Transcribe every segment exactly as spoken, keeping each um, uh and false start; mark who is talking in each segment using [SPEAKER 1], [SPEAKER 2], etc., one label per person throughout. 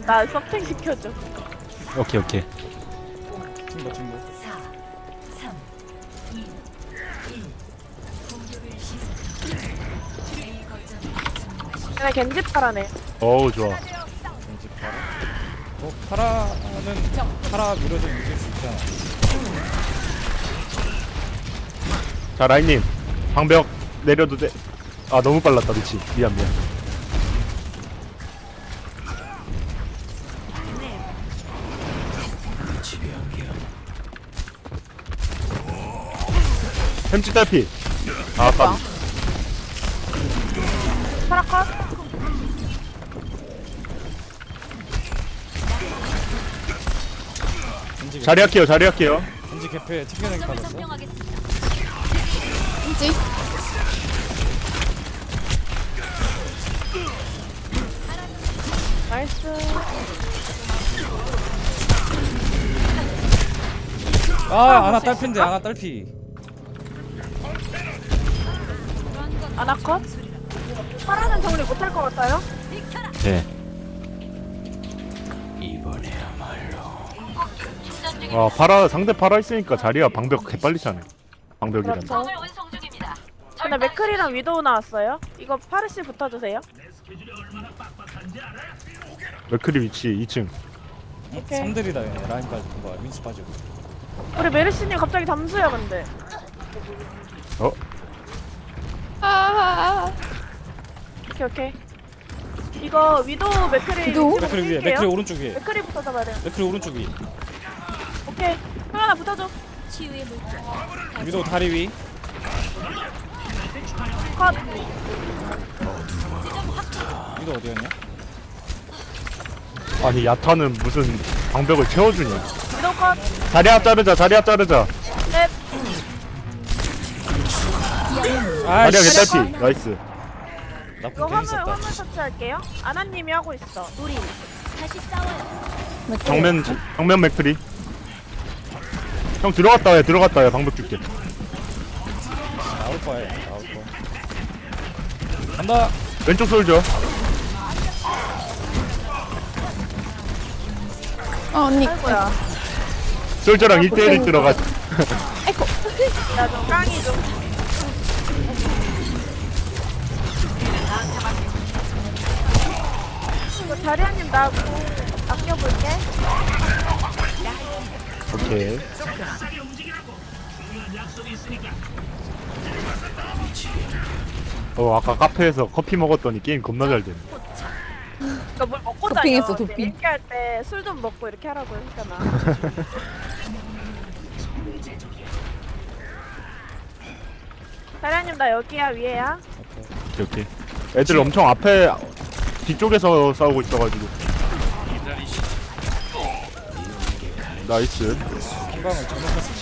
[SPEAKER 1] 나 서핑 시켜줘.
[SPEAKER 2] 오케이 오케이.
[SPEAKER 3] 친구 친구.
[SPEAKER 1] 얘네 겐지 파라네.
[SPEAKER 2] 어우 좋아.
[SPEAKER 3] 왠지 파라. 어 파라는 파라 밀어서 이길 수 있잖아.
[SPEAKER 2] 자 라인님 방벽 내려도 돼. 아 너무 빨랐다 미치. 미안 미안. 햄찌 딸피. 아 까비.
[SPEAKER 1] 파라 컷.
[SPEAKER 3] 겐지
[SPEAKER 2] 자리 할게요 자리 할게요.
[SPEAKER 3] 겐지 개패 튕겨내기 받았어.
[SPEAKER 4] 겐지.
[SPEAKER 1] 나이스.
[SPEAKER 3] 아 아나 딸피인데 아나 딸피.
[SPEAKER 1] 아나 컷. 파라는 정리 못할 것 같아요?
[SPEAKER 2] 네. 아 파라 상대 파라 있으니까 자리야 방벽 개빨리 차네. 방벽이란.
[SPEAKER 1] 그렇죠. 근데 맥클이랑 위도우 나왔어요. 이거 파르시 붙어주세요.
[SPEAKER 2] 맥크리 위치 이 층.
[SPEAKER 1] 오케이.
[SPEAKER 3] 삼 대리다 얘네. 라인 빠지고 뭐야 민스 빠지고.
[SPEAKER 1] 우리 메르시님 갑자기 잠수야 근데.
[SPEAKER 2] 어?
[SPEAKER 4] 아.
[SPEAKER 1] 오케이 오케이. 이거 위도우 맥클이
[SPEAKER 4] 위도우?
[SPEAKER 1] 위치로
[SPEAKER 3] 맥크리 위에
[SPEAKER 1] 뛸게요.
[SPEAKER 3] 맥크리 오른쪽 위에.
[SPEAKER 1] 맥클이부터 잡아야 돼요.
[SPEAKER 3] 맥크리 오른쪽 위.
[SPEAKER 1] 오케이. 하나 붙어줘.
[SPEAKER 3] 위도 다리 위.
[SPEAKER 1] 컷.
[SPEAKER 3] 위도 어디였냐?
[SPEAKER 2] 아니 야타는 무슨 방벽을 채워주냐.
[SPEAKER 1] 위도우 컷.
[SPEAKER 2] 자리 앞 자르자 자리 앞 자르자.
[SPEAKER 1] 넷.
[SPEAKER 2] 자리야
[SPEAKER 3] 아이씨.
[SPEAKER 2] 개딸피. 나이스.
[SPEAKER 3] 나쁜
[SPEAKER 1] 이거
[SPEAKER 3] 게
[SPEAKER 1] 화물
[SPEAKER 3] 있었다.
[SPEAKER 1] 화물 터치할게요. 아나님이 하고 있어. 우리.
[SPEAKER 2] 정면 정면 맥크리. 형 들어갔다 해 들어갔다 해 방벽 줄게.
[SPEAKER 3] 나올 거야 나올 거. 간다.
[SPEAKER 2] 왼쪽 솔져.
[SPEAKER 4] 어 언니.
[SPEAKER 1] 아이고야.
[SPEAKER 2] 솔저랑 일 대일 들어가.
[SPEAKER 4] 아이고.
[SPEAKER 1] 나좀 깡이 좀. 이거 자리아님 나고 아껴볼게.
[SPEAKER 2] 오케이. 어 아까 카페에서 커피 먹었더니 게임 겁나 잘 되네.
[SPEAKER 1] 그러니까 뭘 먹고
[SPEAKER 4] 도핑했어,
[SPEAKER 1] 다녀.
[SPEAKER 4] 도핑.
[SPEAKER 1] 얘기할 때 술 좀 먹고 이렇게 하라고 했잖아. 자리아님 나 여기야 위에야.
[SPEAKER 2] 오케이 오케이. 애들 엄청 앞에 뒤쪽에서 싸우고 있어가지고. 나이스.
[SPEAKER 3] 한방을 잘못했어.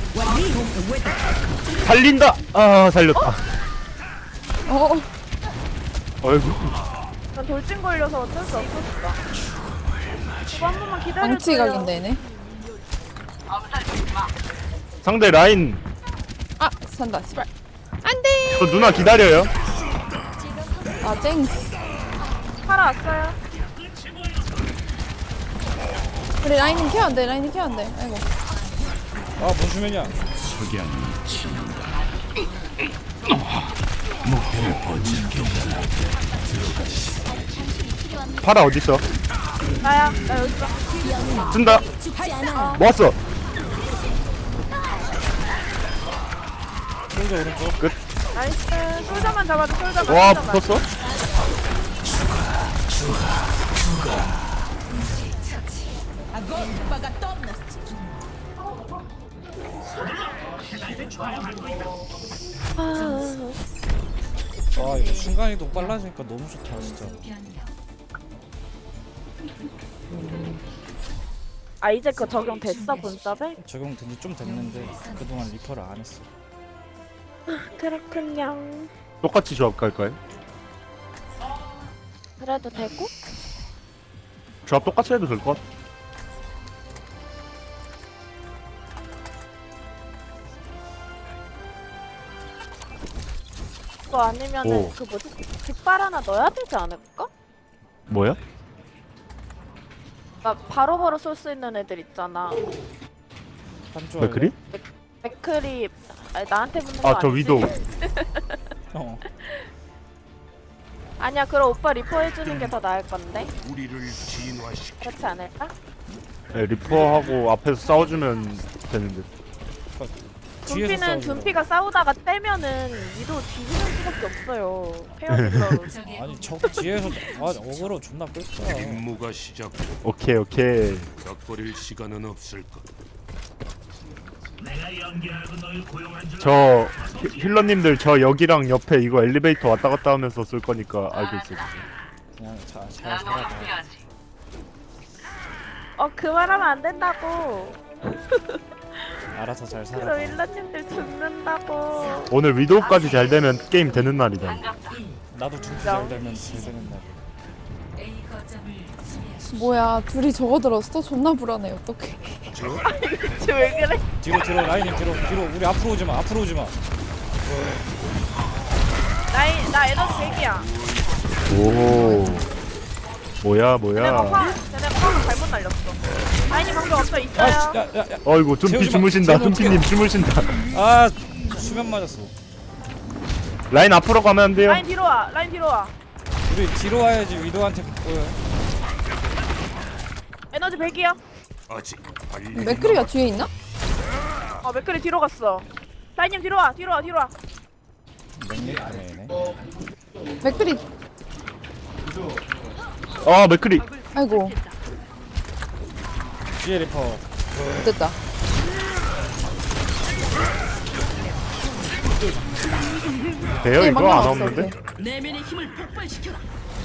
[SPEAKER 2] 살린다. 아 살렸다.
[SPEAKER 4] 어.
[SPEAKER 2] 어이구.
[SPEAKER 1] 난 돌진 걸려서 어쩔 수 없었어. 이거 한 번만 기다려줘요.
[SPEAKER 4] 방치 각인데 얘네.
[SPEAKER 2] 상대 라인.
[SPEAKER 4] 아 산다. 씨발. 안돼.
[SPEAKER 2] 저 누나 기다려요.
[SPEAKER 4] 아 땡스.
[SPEAKER 1] 팔아 왔어요.
[SPEAKER 4] 우리 라인은 케어 안돼. 라인은 케어 안돼. 아이고.
[SPEAKER 3] 아뭔 수면이야?
[SPEAKER 2] 파라 어딨어?
[SPEAKER 1] 나야. 나 여기 있어.
[SPEAKER 2] 쓴다. 모았어.
[SPEAKER 3] 솔저 오른쪽.
[SPEAKER 2] 끝.
[SPEAKER 1] 나이스. 솔저만 잡아줘. 솔저만.
[SPEAKER 2] 와
[SPEAKER 1] 솔저만.
[SPEAKER 2] 붙었어?
[SPEAKER 3] 와 이거 순간이동 빨라지니까 너무 좋다 진짜.
[SPEAKER 1] 아 이제 그 적용 됐어 본섭에?
[SPEAKER 3] 적용된 지 좀 됐는데 그동안 리퍼를 안 했어.
[SPEAKER 1] 그렇군요.
[SPEAKER 2] 똑같이 조합 갈까요?
[SPEAKER 1] 그래도 되고?
[SPEAKER 2] 조합 똑같이 해도 될 것 같아.
[SPEAKER 1] 그거 아니면은
[SPEAKER 2] 오.
[SPEAKER 1] 그 뭐지? 깃발 하나 넣어야 되지 않을까?
[SPEAKER 2] 뭐야?
[SPEAKER 1] 막 바로바로 쏠 수 있는 애들 있잖아.
[SPEAKER 3] 한조
[SPEAKER 2] 왜 그리?
[SPEAKER 1] 맥크리 아니, 나한테 붙는 거
[SPEAKER 2] 아 저
[SPEAKER 1] 아니지?
[SPEAKER 2] 위도.
[SPEAKER 3] 어.
[SPEAKER 1] 아니야 그럼 오빠 리퍼 해주는 게 더 나을 건데
[SPEAKER 5] 우리를 진화시켜
[SPEAKER 1] 그렇지 않을까?
[SPEAKER 2] 네, 리퍼하고 앞에서 싸워주면 되는데.
[SPEAKER 3] 뒤에서
[SPEAKER 1] 둠피는
[SPEAKER 3] 싸우는
[SPEAKER 1] 둠피가 싸우다가 떼면은 위도 뒤지는 수밖에 없어요. 페어힐러로.
[SPEAKER 3] 아니 저 뒤에서 아 어그로 존나 끌 거야.
[SPEAKER 5] 임무가 시작돼
[SPEAKER 2] 오케이 오케이.
[SPEAKER 5] 덕거릴 시간은 없을 것.
[SPEAKER 2] 저 히- 힐러님들 저 여기랑 옆에 이거 엘리베이터 왔다 갔다 하면서 쓸 거니까 알고 있어요.
[SPEAKER 3] 그냥 자, 잘 살아봐.
[SPEAKER 1] 어 그 말하면 안 된다고.
[SPEAKER 3] 알아서 잘
[SPEAKER 1] 그럼
[SPEAKER 3] 살아봐.
[SPEAKER 1] 일러님들 죽는다고.
[SPEAKER 2] 오늘 위도우까지 잘 되면 게임 되는 날이다.
[SPEAKER 3] 나도 둠피 잘 되면 잘 되는 날.
[SPEAKER 4] 뭐야 둘이 저거 들었어? 존나 불안해 어떡해.
[SPEAKER 3] 뒤로?
[SPEAKER 1] 지금 왜 그래?
[SPEAKER 3] 뒤로 뒤로 라인님 뒤로 뒤로 우리 앞으로 오지 마. 앞으로 오지 마.
[SPEAKER 1] 나이 나 에너지 백이야.
[SPEAKER 2] 오. 뭐야
[SPEAKER 1] 쟤네
[SPEAKER 2] 뭐야.
[SPEAKER 1] 파 쟤네 파가 잘못 날렸어. 아이님 방금 없어 있어요.
[SPEAKER 3] 아씨 야야 야.
[SPEAKER 2] 어이구 둠피
[SPEAKER 3] 재우지 마.
[SPEAKER 2] 주무신다.
[SPEAKER 3] 재우면
[SPEAKER 2] 둠피님 주무신다.
[SPEAKER 3] 아 수면 맞았어.
[SPEAKER 2] 라인 앞으로 가면 안 돼요.
[SPEAKER 1] 라인 뒤로 와. 라인 뒤로 와.
[SPEAKER 3] 우리 뒤로 와야지 위도한테 보여.
[SPEAKER 1] 에너지 백이야.
[SPEAKER 5] 아직 빨리
[SPEAKER 4] 맥크리가 뒤에 있나?
[SPEAKER 1] 어 맥클이 뒤로 갔어. 라인님 뒤로 와. 뒤로 와. 뒤로 와.
[SPEAKER 3] 맥리 아니네.
[SPEAKER 4] 맥크리
[SPEAKER 2] 아 맥크리.
[SPEAKER 4] 아이고
[SPEAKER 3] 뒤에 리퍼.
[SPEAKER 4] 됐다.
[SPEAKER 2] 돼요
[SPEAKER 4] 네,
[SPEAKER 2] 이거
[SPEAKER 4] 막
[SPEAKER 2] 안
[SPEAKER 4] 나왔어,
[SPEAKER 2] 없는데?
[SPEAKER 4] 오케이.
[SPEAKER 6] 내면의 힘을 폭발시켜라.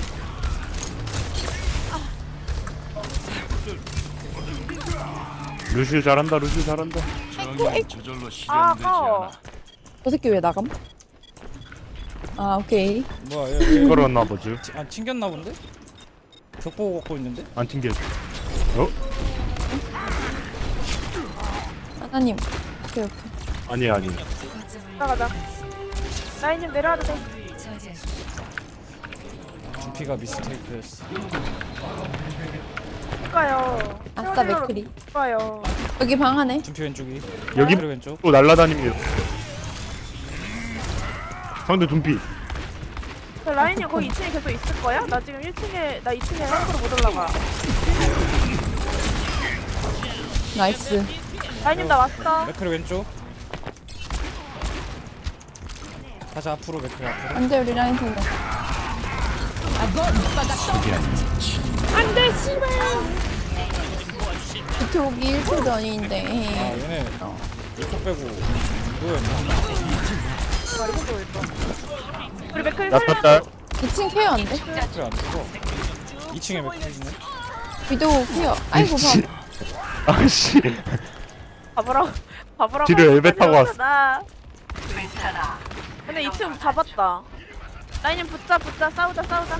[SPEAKER 2] 루시우 잘한다. 루시우 잘한다.
[SPEAKER 5] 정의 저절로
[SPEAKER 1] 아
[SPEAKER 5] 실현되지
[SPEAKER 1] 아까워.
[SPEAKER 5] 않아.
[SPEAKER 4] 저 새끼 왜 나감? 아 오케이.
[SPEAKER 3] 뭐야 얘, 얘,
[SPEAKER 2] 끌었나 보지.
[SPEAKER 3] 치- 아 튕겼나 본데? 벽 보고 걷고 있는데?
[SPEAKER 2] 안 튕겨. 어?
[SPEAKER 4] 하나님. 오케이 오케이.
[SPEAKER 2] 아니 아니.
[SPEAKER 1] 가자. 라인님 내려와도 돼.
[SPEAKER 3] 둠피가 미스테이크였어.
[SPEAKER 1] 가요.
[SPEAKER 4] 아싸 맥크리.
[SPEAKER 1] 가요.
[SPEAKER 4] 여기 방 안에.
[SPEAKER 3] 둠피 왼쪽이.
[SPEAKER 2] 여기
[SPEAKER 3] 그리고 왼쪽.
[SPEAKER 2] 또 날라다닙니다. 상대 둠피.
[SPEAKER 1] 라인님 거기 이 층에 계속 있을 거야? 나 지금 일 층에 나 이 층에 함부로 못 올라가.
[SPEAKER 4] 나이스.
[SPEAKER 1] 라인님 나 왔어.
[SPEAKER 3] 맥크리 왼쪽. 다시 앞으로 맥크리 앞으로.
[SPEAKER 4] 안돼 우리 라인 통과. 안돼 씨발. 비트 오기 일 초
[SPEAKER 3] 아
[SPEAKER 4] 전인데.
[SPEAKER 3] 얘네 이쪽 빼고 누구였나?
[SPEAKER 1] 우리 맥클
[SPEAKER 2] 나탔다.
[SPEAKER 1] 살려줘.
[SPEAKER 4] 이 층 케어 안 돼?
[SPEAKER 3] 맥크리 안 죽어. 이 층에 맥크리네.
[SPEAKER 4] 위도우 케어. 아이고
[SPEAKER 2] 씨.
[SPEAKER 4] 방.
[SPEAKER 2] 아씨.
[SPEAKER 1] 봐보라고. 봐보라고.
[SPEAKER 2] 뒤로 엘베 타고 왔어.
[SPEAKER 1] 나. 근데 이 층 잡았다. 라인님 붙자 붙자 싸우자 싸우자.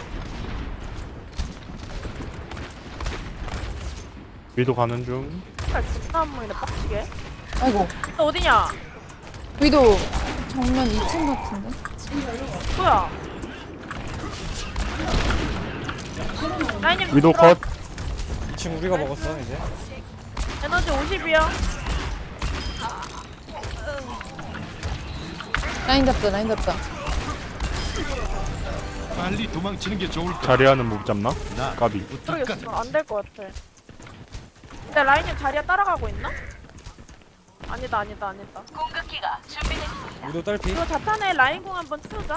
[SPEAKER 2] 위도 가는 중.
[SPEAKER 1] 아 존나 안 보이네 빡치게.
[SPEAKER 4] 아이고.
[SPEAKER 1] 너 어디냐?
[SPEAKER 4] 위도우 정면 이 층 같은데.
[SPEAKER 1] 뭐야? 라인님
[SPEAKER 2] 위도
[SPEAKER 1] 들어.
[SPEAKER 2] 컷.
[SPEAKER 3] 이 층 우리가 먹었어 이제.
[SPEAKER 1] 에너지 오십이요.
[SPEAKER 4] 라인 잡자 라인 잡자.
[SPEAKER 5] 빨리 도망치는 게 좋을 것.
[SPEAKER 2] 자리하는 못 잡나? 까비.
[SPEAKER 1] 모르겠어. 안 될 것 같아. 근데 라인님 자리야 따라가고 있나? 아니다 아니다 아니다.
[SPEAKER 3] 위도 딸피.
[SPEAKER 1] 이거 자탄에 라인공 한번 채우자.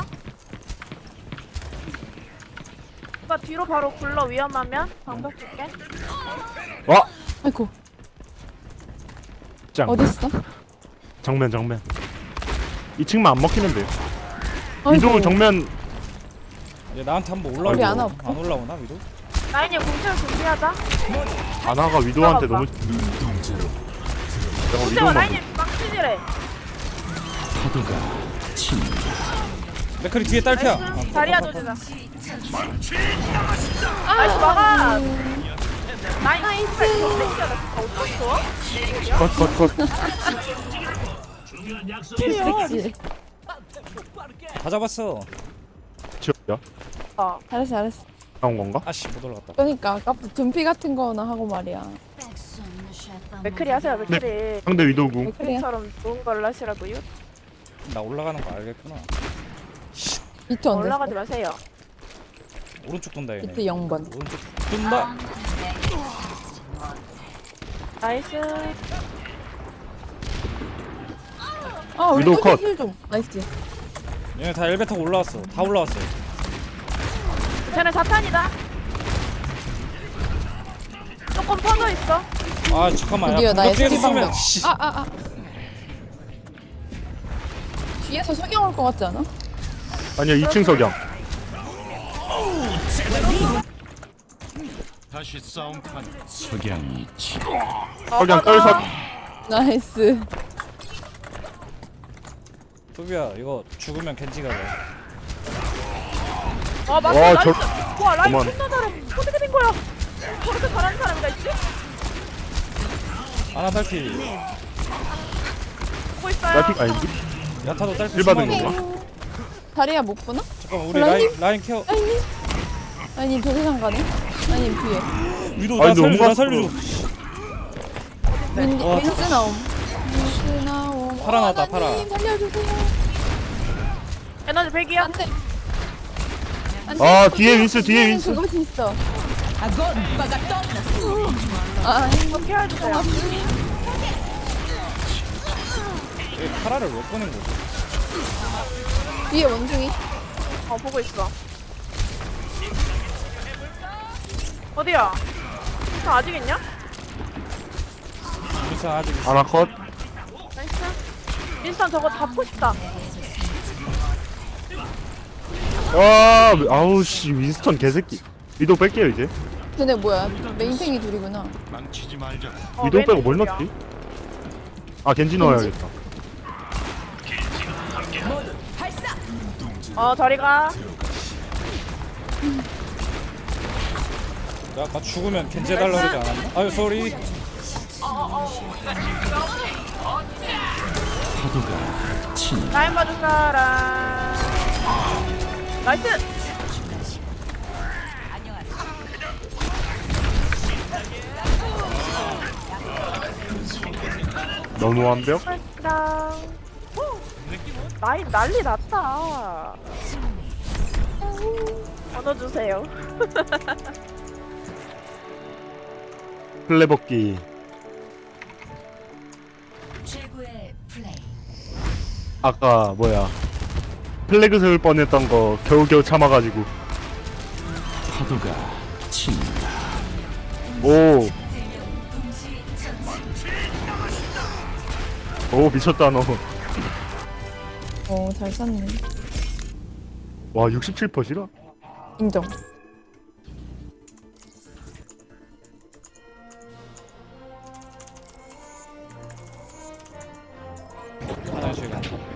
[SPEAKER 1] 오빠 뒤로 바로 굴러 위험하면 방벽 줄게.
[SPEAKER 2] 와.
[SPEAKER 4] 아이고
[SPEAKER 2] 짱.
[SPEAKER 4] 어딨어?
[SPEAKER 2] 정면 정면. 이 층만 안 먹히는데요.
[SPEAKER 4] 아이고.
[SPEAKER 2] 위도 정면.
[SPEAKER 3] 얘 나한테 한번
[SPEAKER 4] 우리
[SPEAKER 3] 올라오고
[SPEAKER 4] 아나 없어?
[SPEAKER 3] 안 올라오나 위도?
[SPEAKER 1] 라인님 공채를 준비하자.
[SPEAKER 2] 아나가 위도한테 너무. 내가
[SPEAKER 1] 공채와
[SPEAKER 2] 위도만.
[SPEAKER 1] 라인님 막치지래.
[SPEAKER 3] 맥크리 뒤에 딸피야.
[SPEAKER 1] 나이스. 자리야 조지자.
[SPEAKER 4] 아,
[SPEAKER 1] 나이스 막아.
[SPEAKER 4] 음.
[SPEAKER 1] 라인 나이스. 진짜 나 진짜 어떡했어?
[SPEAKER 2] 컷 컷 컷.
[SPEAKER 4] 섹시.
[SPEAKER 3] 다 잡았어.
[SPEAKER 2] 지웠야.
[SPEAKER 1] 어.
[SPEAKER 4] 잘했어 잘했어.
[SPEAKER 2] 나온 건가?
[SPEAKER 3] 아씨 못 올라갔다.
[SPEAKER 4] 그러니까 아까 둔피 같은 거나 하고 말이야.
[SPEAKER 1] 맥크리 하세요 맥크리.
[SPEAKER 2] 상대 위도궁.
[SPEAKER 1] 맥크리처럼 좋은 걸 하시라고요?
[SPEAKER 3] 나 올라가는 거 알겠구나.
[SPEAKER 4] 비트 언제
[SPEAKER 1] 올라가지
[SPEAKER 4] 써?
[SPEAKER 1] 마세요.
[SPEAKER 3] 오른쪽 돈다 얘네.
[SPEAKER 4] 비트 영 번.
[SPEAKER 3] 오른쪽 돈다.
[SPEAKER 1] 나이스.
[SPEAKER 4] 아 우리
[SPEAKER 2] 위도우 컷.
[SPEAKER 4] 힐 좀. 나이스.
[SPEAKER 3] 얘네 다 엘베 타고 올라왔어. 다 올라왔어.
[SPEAKER 1] 쟤네 사탄이다. 조금 퍼져 있어.
[SPEAKER 3] 아 잠깐만.
[SPEAKER 4] 드디어
[SPEAKER 3] 야,
[SPEAKER 4] 나의
[SPEAKER 3] 이거 뒤에서
[SPEAKER 4] 스킬
[SPEAKER 3] 쏘면.
[SPEAKER 4] 방법.
[SPEAKER 3] 씨.
[SPEAKER 4] 아 아 아. 뒤에서 석영 올 것 같지 않아?
[SPEAKER 2] 아니야 이 층 석양.
[SPEAKER 5] 다시 싸움판. 석양이 치.
[SPEAKER 2] 석양 떨석.
[SPEAKER 4] 나이스.
[SPEAKER 3] 소비야 이거 죽으면 겐지가 돼.
[SPEAKER 1] 아 맞다
[SPEAKER 2] 와,
[SPEAKER 1] 나이스.
[SPEAKER 2] 저-
[SPEAKER 1] 와 라인
[SPEAKER 2] 그만.
[SPEAKER 1] 존나 잘해. 어떻게 된 거야? 저렇게 잘하는 사람이가 있지?
[SPEAKER 3] 아나 딸피.
[SPEAKER 1] 보고 있어요.
[SPEAKER 2] 나픽 아닌데?
[SPEAKER 3] 야타도 딸피.
[SPEAKER 2] 일 받은
[SPEAKER 3] 수많이.
[SPEAKER 2] 건가?
[SPEAKER 4] 다리야 못 보나?
[SPEAKER 3] 잠깐만 우리
[SPEAKER 4] 라인?
[SPEAKER 3] 라인 라인 케어.
[SPEAKER 4] 아니. 아니 도대상 가네. 아니 뒤에.
[SPEAKER 3] 위도
[SPEAKER 2] 아니,
[SPEAKER 3] 나
[SPEAKER 2] 너무
[SPEAKER 3] 살려줘 나
[SPEAKER 2] 갔어.
[SPEAKER 3] 살려줘.
[SPEAKER 4] 윈
[SPEAKER 3] 와.
[SPEAKER 4] 윈스 나옴. 윈스 나옴.
[SPEAKER 3] 파라 나왔다,
[SPEAKER 4] 어,
[SPEAKER 3] 파라.
[SPEAKER 4] 나님 살려주세요.
[SPEAKER 1] 에너지 백이야.
[SPEAKER 4] 안돼. 안돼.
[SPEAKER 2] 아, 뒤에 윈스, 뒤에 윈스.
[SPEAKER 4] 그것이 있어. 아
[SPEAKER 1] 어떻게 해주세요.
[SPEAKER 3] 얘 파라를 왜 꺼낸 거지?
[SPEAKER 4] 뒤에 원숭이.
[SPEAKER 1] 어 보고 있어. 어디야? 저 아직 있냐?
[SPEAKER 3] 미사 아직
[SPEAKER 2] 하나 컷.
[SPEAKER 1] 나이스. 인스턴 저거 잡고 싶다.
[SPEAKER 2] 와 아우 씨 윈스턴 개새끼. 위도 뺄게요 이제.
[SPEAKER 4] 쟤네 뭐야? 메인탱이 둘이구나.
[SPEAKER 5] 망치지 말자.
[SPEAKER 1] 어,
[SPEAKER 2] 위도 빼고 뭘
[SPEAKER 1] 왼쪽이야.
[SPEAKER 2] 넣지? 아 겐지 넣어야겠다.
[SPEAKER 1] 어 저리가.
[SPEAKER 3] 야 아까 죽으면 겐지 해달라 그러지 않았나? 아유 쏘리.
[SPEAKER 1] 라인 봐줄 사람. 나이스.
[SPEAKER 2] 너무 완벽.
[SPEAKER 1] 랑 라인 난리 났다. 얻어주세요.
[SPEAKER 2] 플레버기.
[SPEAKER 6] 최고의 플레이.
[SPEAKER 2] 아까 뭐야 플래그 세울 뻔했던 거 겨우겨우 참아가지고.
[SPEAKER 5] 파도가 친다.
[SPEAKER 2] 오. 오 미쳤다 너.
[SPEAKER 4] 어, 잘 쐈네.
[SPEAKER 2] 와 육십칠 퍼센트라?
[SPEAKER 4] 인정.
[SPEAKER 3] 화장실 가.